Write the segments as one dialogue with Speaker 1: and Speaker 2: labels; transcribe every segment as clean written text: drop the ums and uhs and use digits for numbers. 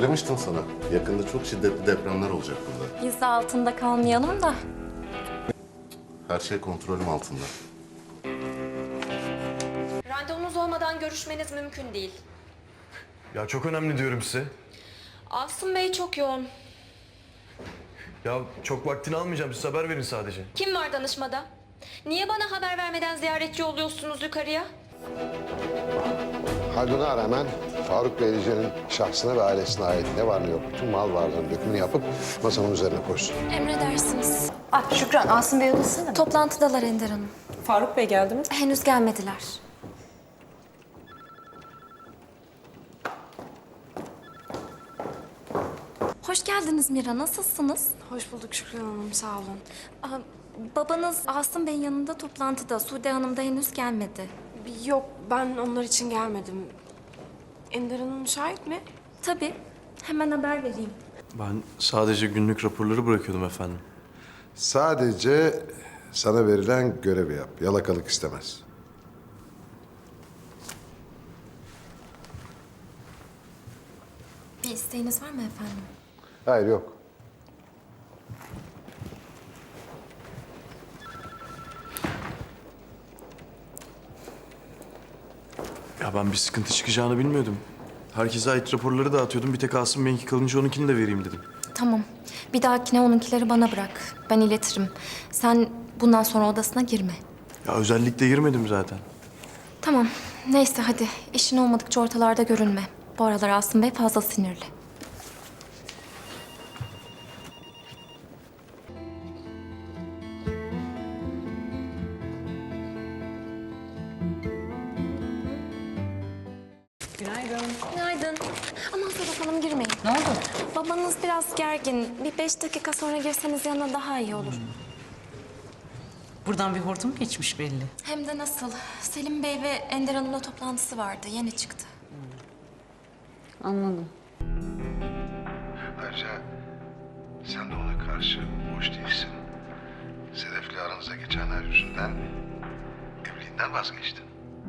Speaker 1: Söylemiştim sana. Yakında çok şiddetli depremler olacak burada.
Speaker 2: Biz de altında kalmayalım da.
Speaker 1: Her şey kontrolüm altında.
Speaker 2: Randevunuz olmadan görüşmeniz mümkün değil.
Speaker 3: Ya çok önemli diyorum size.
Speaker 2: Asım Bey çok yoğun.
Speaker 3: Ya çok vaktini almayacağım. Siz haber verin sadece.
Speaker 2: Kim var danışmada? Niye bana haber vermeden ziyaretçi oluyorsunuz yukarıya?
Speaker 4: Haldun'a rağmen Faruk Beylice'nin şahsına ve ailesine ait ne var ne yok bütün mal varlığının dökümünü yapıp masamın üzerine koysun.
Speaker 2: Emredersiniz.
Speaker 5: Ah Şükran, Asım Bey odasında mı?
Speaker 2: Toplantıdalar Ender Hanım.
Speaker 5: Faruk Bey geldi mi?
Speaker 2: Henüz gelmediler. Hoş geldiniz Mira. Nasılsınız?
Speaker 6: Hoş bulduk Şükran Hanım, sağ olun.
Speaker 2: Aa, babanız Asım Bey'in yanında toplantıda. Sude Hanım da henüz gelmedi.
Speaker 6: Yok, ben onlar için gelmedim. Ender Hanım müsait mi?
Speaker 2: Tabii. Hemen haber vereyim.
Speaker 3: Ben sadece günlük raporları bırakıyordum efendim.
Speaker 4: Sadece sana verilen görevi yap. Yalakalık istemez.
Speaker 2: Bir isteğiniz var mı efendim?
Speaker 4: Hayır yok.
Speaker 3: Ya ben bir sıkıntı çıkacağını bilmiyordum. Herkese ait raporları dağıtıyordum. Bir tek Asım Bey'inki kalınca onunkini de vereyim dedim.
Speaker 2: Tamam. Bir dahakine onunkileri bana bırak. Ben iletirim. Sen bundan sonra odasına girme.
Speaker 3: Ya özellikle girmedim zaten.
Speaker 2: Tamam. Neyse hadi. İşin olmadıkça ortalarda görünme. Bu aralar Asım Bey fazla sinirli.
Speaker 5: Günaydın.
Speaker 2: Günaydın. Aman Sedef Hanım girmeyin.
Speaker 5: Ne oldu?
Speaker 2: Babanız biraz gergin. Bir 5 dakika sonra girseniz yanına daha iyi olur.
Speaker 5: Buradan bir hortum geçmiş belli.
Speaker 2: Hem de nasıl? Selim Bey ve Ender Hanım'la toplantısı vardı. Yeni çıktı.
Speaker 5: Anladım.
Speaker 4: Ayrıca sen de ona karşı boş değilsin. Sedef'le aranızda geçenler yüzünden evliliğinden vazgeçtin.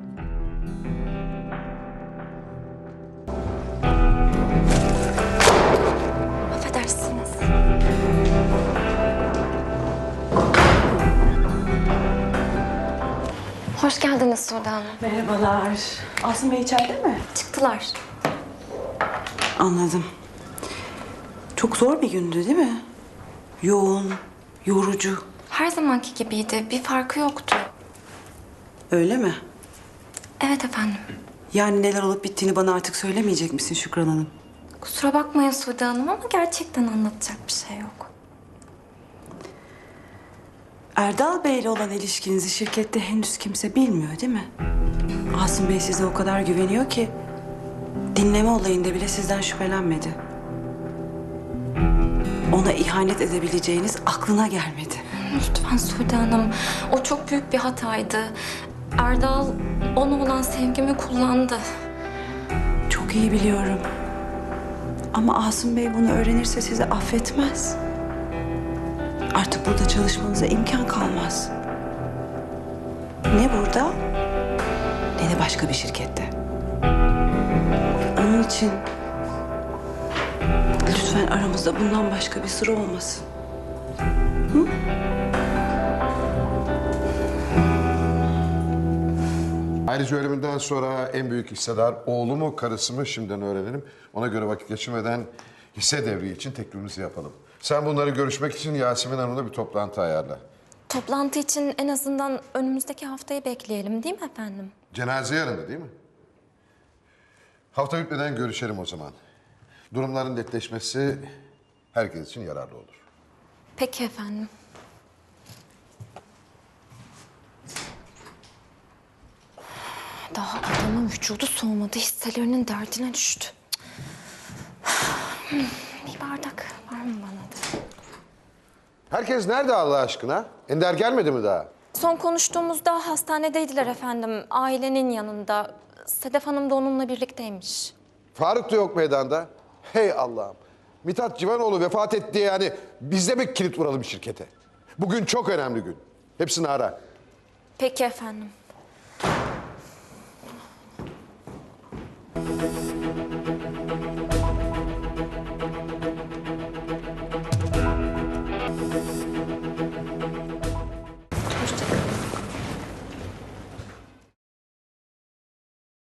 Speaker 2: Affedersiniz. Hoş geldiniz Sude Hanım.
Speaker 7: Merhabalar. Asım Bey içeride mi?
Speaker 2: Çıktılar.
Speaker 7: Anladım. Çok zor bir gündü değil mi? Yoğun, yorucu.
Speaker 2: Her zamanki gibiydi. Bir farkı yoktu.
Speaker 7: Öyle mi?
Speaker 2: Evet efendim.
Speaker 7: Yani neler olup bittiğini bana artık söylemeyecek misin Şükran Hanım?
Speaker 2: Kusura bakmayın Sude Hanım ama gerçekten anlatacak bir şey yok.
Speaker 7: Erdal Bey'le olan ilişkinizi şirkette henüz kimse bilmiyor değil mi? Asım Bey size o kadar güveniyor ki dinleme olayında bile sizden şüphelenmedi. Ona ihanet edebileceğiniz aklına gelmedi.
Speaker 2: Lütfen Sude Hanım. O çok büyük bir hataydı. Erdal ona olan sevgimi kullandı.
Speaker 7: Çok iyi biliyorum. Ama Asım Bey bunu öğrenirse sizi affetmez. Artık burada çalışmanıza imkan kalmaz. Ne burada ne de başka bir şirkette. Onun için lütfen aramızda bundan başka bir sır olmasın.
Speaker 4: Ayrıca ölümünden sonra en büyük hissedar oğlu mu karısı mı şimdiden öğrenelim. Ona göre vakit geçirmeden hisse devri için teklifimizi yapalım. Sen bunları görüşmek için Yasemin Hanım'la bir toplantı ayarla.
Speaker 2: Toplantı için en azından önümüzdeki haftayı bekleyelim değil mi efendim?
Speaker 4: Cenaze yarın değil mi? Hafta bitmeden görüşelim o zaman. Durumların netleşmesi herkes için yararlı olur.
Speaker 2: Peki efendim. Daha adamın vücudu soğumadı, hisselerinin derdine düştü. Bir bardak var mı bana da?
Speaker 4: Herkes nerede Allah aşkına? Ender gelmedi mi daha?
Speaker 2: Son konuştuğumuzda hastanedeydiler efendim. Ailenin yanında. Sedef Hanım da onunla birlikteymiş.
Speaker 4: Faruk da yok meydanda. Hey Allah'ım. Mithat Civanoğlu vefat etti diye yani biz de mi kilit vuralım şirkete? Bugün çok önemli gün. Hepsini ara.
Speaker 2: Peki efendim.